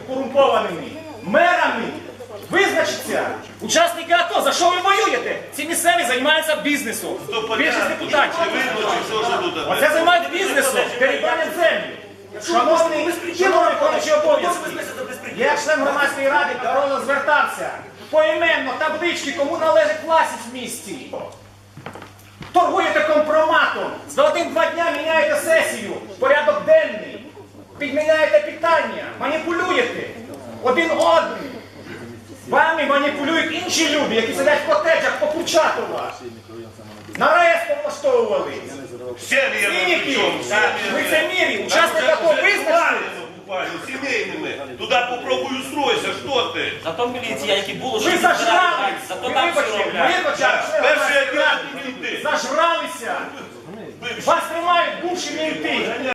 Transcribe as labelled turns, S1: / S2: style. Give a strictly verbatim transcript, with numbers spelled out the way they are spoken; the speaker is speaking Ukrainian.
S1: корумпованими мерами визначиться учасники АТО. За що ви воюєте? Ці місцеві займаються бізнесом. Більшість депутатів. Оце займають бізнесом, перебранням землі. Шановний виконуючий обов'язки, я член громадської ради Корона звертався поіменно таблички, кому належить власність в місті. Торгуєте компроматом, за один-два дня міняєте сесію, порядок денний, підміняєте питання, маніпулюєте один одним. Вами маніпулюють інші люди, які сидять в котеджах по Курчатова. Нарешті повлаштовували. Цінники, лицемірі, учасники АТО визначили.
S2: Сімейними. Туди попробуй устройся, що ти?
S3: Зато міліція, які було,
S1: Ви зажрались!
S3: зато
S1: Ви
S3: там все
S1: вибачте,
S3: роблять.
S1: ви почали,
S2: Перший отдел мінти.
S1: зажралися! Вас тримають бувші мінти!